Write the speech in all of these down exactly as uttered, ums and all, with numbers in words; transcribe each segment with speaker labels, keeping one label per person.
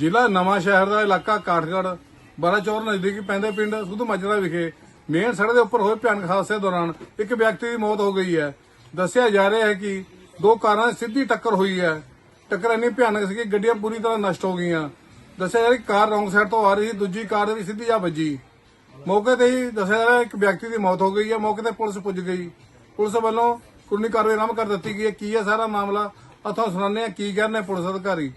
Speaker 1: ਜ਼ਿਲ੍ਹਾ ਨਵਾਂ ਸ਼ਹਿਰ ਦਾ ਇਲਾਕਾ ਕਾਠਗੜ੍ਹ ਬਾਰਾਚੌਰ ਨਜ਼ਦੀਕੀ ਪੈਂਦੇ ਪਿੰਡ ਸੁਧ ਮਾਜਰਾ ਵਿਖੇ ਮੇਨ ਸੜਕ ਦੇ ਉੱਪਰ ਹੋਏ ਭਿਆਨਕ ਹਾਦਸੇ ਦੌਰਾਨ ਇੱਕ ਵਿਅਕਤੀ ਦੀ ਮੌਤ ਹੋ ਗਈ ਹੈ। ਦੱਸਿਆ ਜਾ ਰਿਹਾ ਹੈ ਕਿ ਦੋ ਕਾਰਾਂ ਦੀ ਸਿੱਧੀ ਟੱਕਰ ਹੋਈ ਹੈ। ਟੱਕਰ ਇੰਨੀ ਭਿਆਨਕ ਸੀ ਕਿ ਗੱਡੀਆਂ ਪੂਰੀ ਤਰ੍ਹਾਂ ਨਸ਼ਟ ਹੋ ਗਈਆਂ। ਦੱਸਿਆ ਜਾ ਰਿਹਾ ਕਿ ਕਾਰ ਰੌਂਗ ਸਾਈਡ ਤੋਂ ਆ ਰਹੀ ਸੀ, ਦੂਜੀ ਕਾਰ ਦੇ ਵੀ ਸਿੱਧੀ ਜਾ ਵੱਜੀ। ਮੌਕੇ ਤੇ ਹੀ ਦੱਸਿਆ ਜਾ ਰਿਹਾ ਇੱਕ ਵਿਅਕਤੀ ਦੀ ਮੌਤ ਹੋ ਗਈ ਹੈ। ਮੌਕੇ ਤੇ ਪੁਲਿਸ ਪੁੱਜ ਗਈ। ਪੁਲਿਸ ਵੱਲੋਂ ਕਾਨੂੰਨੀ ਕਾਰਵਾਈ ਆਰੰਭ ਕਰ ਦਿੱਤੀ ਗਈ ਹੈ। ਕੀ ਹੈ ਸਾਰਾ ਮਾਮਲਾ ਅਥਾਂ ਸੁਣਾਉਂਦੇ ਹਾਂ ਕੀ ਕਹਿੰਦੇ ਪੁਲਿਸ ਅਧਿਕਾਰੀ।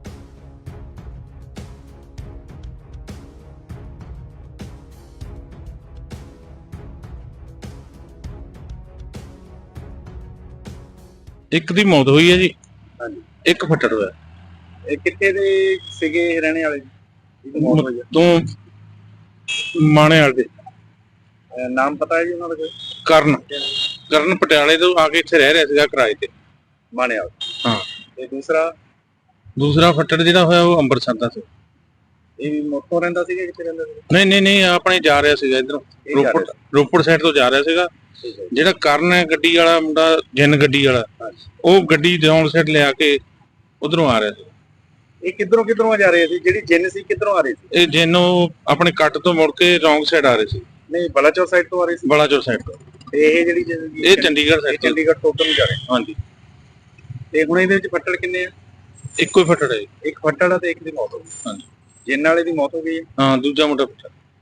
Speaker 2: ਇੱਕ ਦੀ ਮੌਤ ਹੋਈ ਹੈ ਜੀ,
Speaker 3: ਹਾਂਜੀ,
Speaker 2: ਇੱਕ ਫੱਟੜ ਹੋਇਆ।
Speaker 3: ਇਹ ਕਿੱਥੇ ਦੇ ਸੀਗੇ ਰਹਿਣੇ ਵਾਲੇ ਜੀ? ਇਹਦੀ ਮੌਤ ਹੋਈ ਹੈ।
Speaker 2: ਤੋਂ ਮਾਣੇ ਵਾਲੇ ਦੇ
Speaker 3: ਅਹ ਨਾਮ ਪਤਾ ਹੈ ਜੀ ਉਹਨਾਂ ਦਾ ਕੋਈ?
Speaker 2: ਕਰਨ ਕਰਨ ਪਟਿਆਲੇ ਤੋਂ ਆ ਕੇ ਇੱਥੇ ਰਹਿ ਰਿਹਾ ਸੀਗਾ ਕਿਰਾਏ ਤੇ।
Speaker 3: ਮਾਣੇ ਵਾਲਾ।
Speaker 2: ਹਾਂ,
Speaker 3: ਤੇ ਦੂਸਰਾ
Speaker 2: ਦੂਸਰਾ ਫੱਟੜ ਜਿਹੜਾ ਹੋਇਆ ਉਹ ਅੰਮ੍ਰਿਤਸਰ ਦਾ ਸੀ।
Speaker 3: ਇਹ ਵੀ ਮੋਟੋ ਰਹਿੰਦਾ ਸੀਗਾ, ਕਿੱਥੇ ਰਹਿੰਦਾ ਸੀ?
Speaker 2: ਨਹੀਂ ਨਹੀਂ ਨਹੀਂ ਆਪਣੇ ਜਾ ਰਿਹਾ ਸੀਗਾ ਇਧਰੋਂ,
Speaker 3: ਇਹ ਜਾ
Speaker 2: ਰੋਪੜ
Speaker 3: ਰਿਹਾ
Speaker 2: ਰੋਪੜ ਸਾਈਡ ਤੋਂ ਜਾ ਰਿਹਾ ਸੀਗਾ।
Speaker 3: ਠੀਕ ਹੈ ਜੀ।
Speaker 2: ਜਿਹੜਾ ਕਰਨ ਹੈ ਗੱਡੀ ਵਾਲਾ ਮੁੰਡਾ, ਜਿੰਨ ਗੱਡੀ ਵਾਲਾ,
Speaker 3: ਹਾਂਜੀ।
Speaker 2: ਉਹ ਗੱਡੀ ਰੌਂਗ ਸਾਈਡ ਲਿਆ ਕੇ ਉਧਰੋਂ ਆ ਰਿਹਾ ਸੀ।
Speaker 3: ਇਹ ਕਿੱਧਰੋਂ ਕਿੱਧਰੋਂ ਜਾ ਰਹੇ ਸੀ? ਜਿਹੜੀ ਜਿੰਨ ਸੀ ਕਿੱਧਰੋਂ ਆ ਰਹੀ ਸੀ?
Speaker 2: ਇਹ ਜਿੰਨ ਉਹ ਆਪਣੇ ਕੱਟ ਤੋਂ ਮੁੜ ਕੇ ਰੌਂਗ ਸਾਈਡ ਆ ਰਹੇ ਸੀ,
Speaker 3: ਨਹੀਂ, ਬਲਾਚੌਰ ਸਾਈਡ ਤੋਂ ਆ ਰਹੀ ਸੀ।
Speaker 2: ਬਲਾਚੌਰ ਸਾਈਡ ਤੋਂ।
Speaker 3: ਤੇ ਇਹ ਜਿਹੜੀ ਜਿੰਨ-
Speaker 2: ਇਹ ਚੰਡੀਗੜ੍ਹ
Speaker 3: ਇਹ
Speaker 2: ਸਾਈਡ ਤੋਂ।
Speaker 3: ਚੰਡੀਗੜ੍ਹ ਤੋਂ ਉੱਧਰ ਨੂੰ ਜਾ ਰਹੇ।
Speaker 2: ਹਾਂਜੀ,
Speaker 3: ਤੇ ਹੁਣ ਇਹਦੇ ਵਿੱਚ ਫੱਟੜ ਕਿੰਨੇ ਆ?
Speaker 2: ਇੱਕੋ ਹੀ ਫੱਟੜ ਹੈ ਜੀ।
Speaker 3: ਇੱਕ ਫੱਟੜ ਆ ਤੇ ਇੱਕ ਦੀ ਮੌਤ ਹੋ ਗਈ।
Speaker 2: ਹਾਂਜੀ,
Speaker 3: ਜਿੰਨ ਵਾਲੇ ਦੀ ਮੌਤ ਹੋ ਗਈ ਹੈ।
Speaker 2: ਹਾਂ, ਦੂਜਾ ਮੁੰਡਾ ਫੱਟੜ।